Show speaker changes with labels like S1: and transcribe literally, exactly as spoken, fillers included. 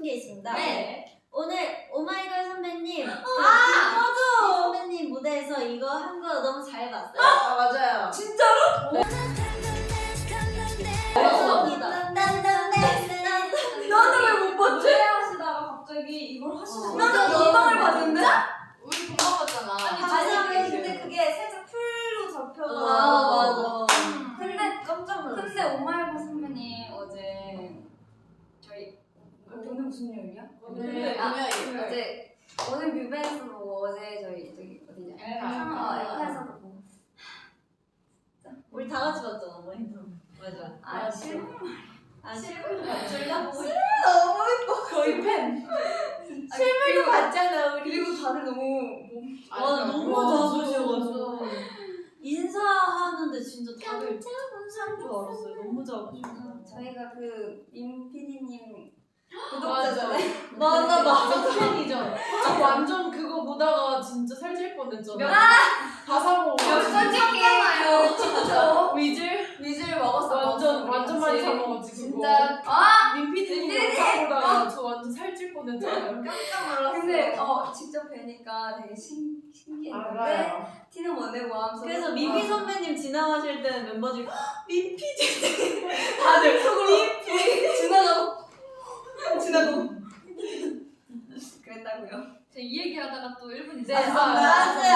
S1: 게 있습니다.
S2: 네.
S1: 오늘 오마이걸 선배님,
S2: 아
S1: 맞아. 선배님 무대에서 이거 한 거 너무 잘 봤어요.
S2: 아 맞아요.
S3: 진짜로?
S1: 네. 감사합니다.
S3: 나는 왜 못 봤지?
S2: 하시다가 갑자기 이걸 하시는
S3: 나는 건강을 봤는데?
S2: 우리 공방 봤잖아.
S3: 아니,
S1: 가사에
S3: 근데 그게 살짝 풀로 잡혀가지고.
S1: 아 맞아.
S3: 근데
S2: 깜짝 놀랐어.
S3: 근데 오마이걸 선배님 어제 저희 오늘 무슨 요일이야?
S2: 네.
S3: 아,
S2: 금요일.
S3: 어제 오늘 뮤뱅에서 보고 어제 저희 저기 어디냐?
S2: 엘카.
S3: 어, 엘카에서도 보고.
S1: 우리 다 같이 봤잖아, 모니터. 맞아.
S3: 아 실물
S1: 아 실물 둘다 보고.
S3: 너무 예뻐.
S2: 거의 팬.
S3: 실물도
S2: 봤잖아 우리.
S3: 그리고 다들 너무
S1: 와 너무 작으셔가지고 인사하는데 진짜 다들 참 줄 알았어요. 너무 작으셔서.
S3: 저희가 그임 피디님
S2: 맞아.
S3: 구독자잖아요.
S1: 맞아 맞아.
S2: 팬이죠. 저 완전 그거 보다가 진짜 살찔 뻔했잖아.
S3: 몇-
S2: 가사고
S3: 잖아요 진짜.
S2: 위즐
S3: 위즐 먹었어.
S2: 완전 완전 많이 사 먹었지 그거.
S3: 진짜. 아
S2: 민피디님
S3: 민피디님!
S2: 영상 보다가 저 완전 살찔 뻔했잖아요.
S3: 깜짝 놀랐어. 근데 어 직접 뵈니까 되게 신 신기했는데
S2: 알아요.
S3: 티는 못 내고 하면서.
S1: 그래서 민피 선배님 지나가실 때는 멤버들이 민피디 다들 속으로
S3: 지나가고 지나고 그랬다고요.
S4: 이 얘기하다가 또 일 분
S1: 네
S4: 있어요.
S1: 맞아요.